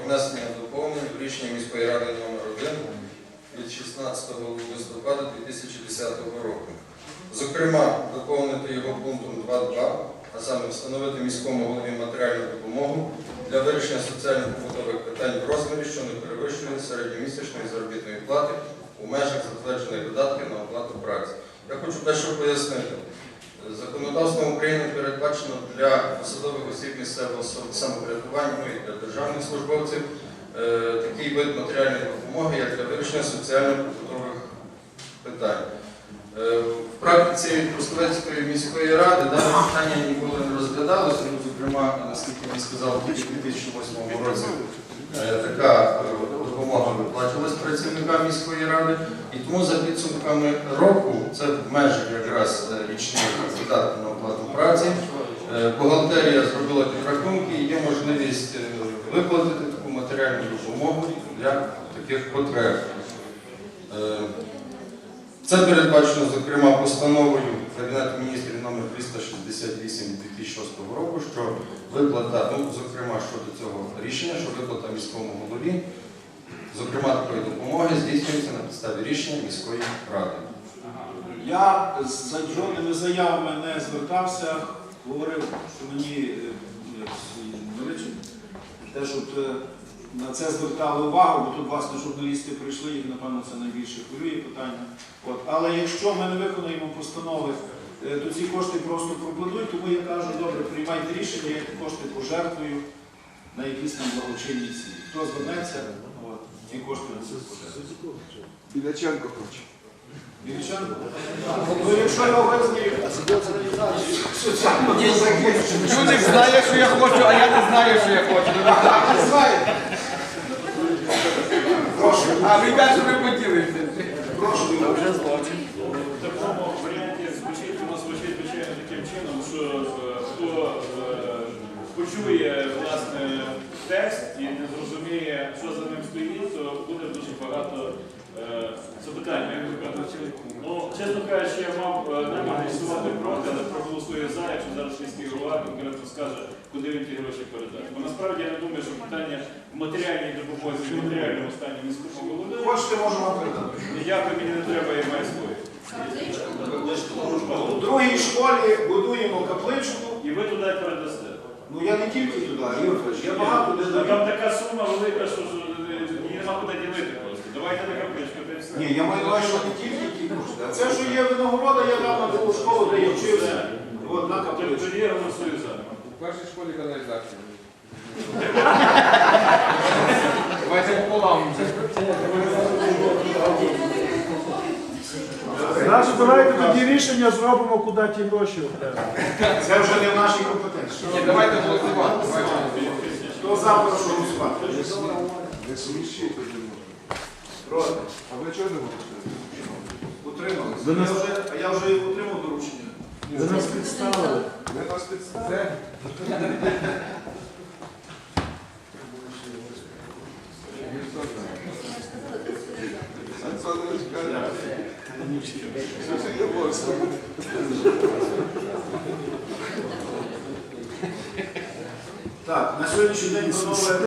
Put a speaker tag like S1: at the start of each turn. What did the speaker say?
S1: внесення доповнень в рішення міської ради номер 1 від 16 листопада 2010 року. Зокрема, доповнити його пунктом 2.2, а саме встановити міському голові матеріальну допомогу для вирішення соціально-побутових питань в розмірі, що не перевищує середньомісячної заробітної плати у межах затверджених видатків на оплату праці. Я хочу дещо пояснити. Законодавством України передбачено для посадових осіб місцевого самоврядування, ну і для державних службовців такий вид матеріальної допомоги, як для вирішення соціально-побутових питань. В практиці Трускавецької міської ради дане питання ніколи не розглядалося, зокрема, наскільки він сказав, тільки в 2008 році така допомога виплачувалась працівникам міської ради, і тому за підсумками року, це в межах якраз річних видатків на оплату праці, бухгалтерія зробила підрахунки і є можливість виплатити таку матеріальну допомогу для таких потреб. Це передбачено, зокрема, постановою Кабінету міністрів номер 368 2006 року, що виплата, зокрема, щодо цього рішення, що виплата міському голові, зокрема, такої допомоги здійснюється на підставі рішення міської ради.
S2: Я з жодними заявами не звертався, говорив, що мені те, щоб на це звертали увагу, бо тут, власне, журналісти прийшли, їх, напевно, це найбільше хвилює питання. Але якщо ми не виконуємо постанови, то ці кошти просто пропадуть, тому я кажу, добре, приймайте рішення, я ті кошти пожертвую на якісь там благочинні цілі. Хто звернеться, ті кошти будуть пожертвувати.
S3: Біляченко хоче.
S2: Біляченко? Ну, якщо його визнають,
S3: Чудик знає, що я хочу, а я не знаю, що я хочу.
S2: прошу.
S3: А ви кажете, ви поділитеся.
S2: Прошу,
S3: вже злочин.
S4: В такому варіанті воно звучить, звичайно, таким чином, що хто почує, власне, текст і не зрозуміє, що за ним стоїть, то буде дуже багато запитань. Ну, чесно кажучи, я мав намір голосувати проти, але проголосую за, якщо зараз міський голова конкретно скаже, куди він ті гроші передати. Бо насправді я не думаю, що питання в матеріальній допомозі, в матеріальному стані міського голови.
S2: хочете, можу вам передати.
S4: Ніякої мені не треба, я маю свої.
S2: У другій школі будуємо капличку.
S4: І ви туди передасте.
S2: Ну я не тільки туди, Юрій, я багато де даю.
S4: Там така сума велика, що її нема куди ділити просто. Давайте на капличку, та й все.
S2: Ні, я маю на увазі, що не тільки ті кошти. А це, що є винагорода, я дав на другу школу, де я вчився. От, на капличку.
S4: Тоді я голосую за.
S3: У першій школі каналізація. Давайте пополам.
S5: Значить, давайте тоді рішення зробимо, куди ті гроші окремо.
S2: Це вже не в нашій компетенції.
S3: Ні, давайте голосувати.
S2: Хто за, прошу голосувати.
S3: Не смішіть.
S2: Проти.
S3: А ви чого не голосуєте?
S2: Утрималися. А я вже отримав доручення.
S5: Ви нас підставили.
S3: Ви нас підставили.
S2: Так, на сьогоднішній день, панове,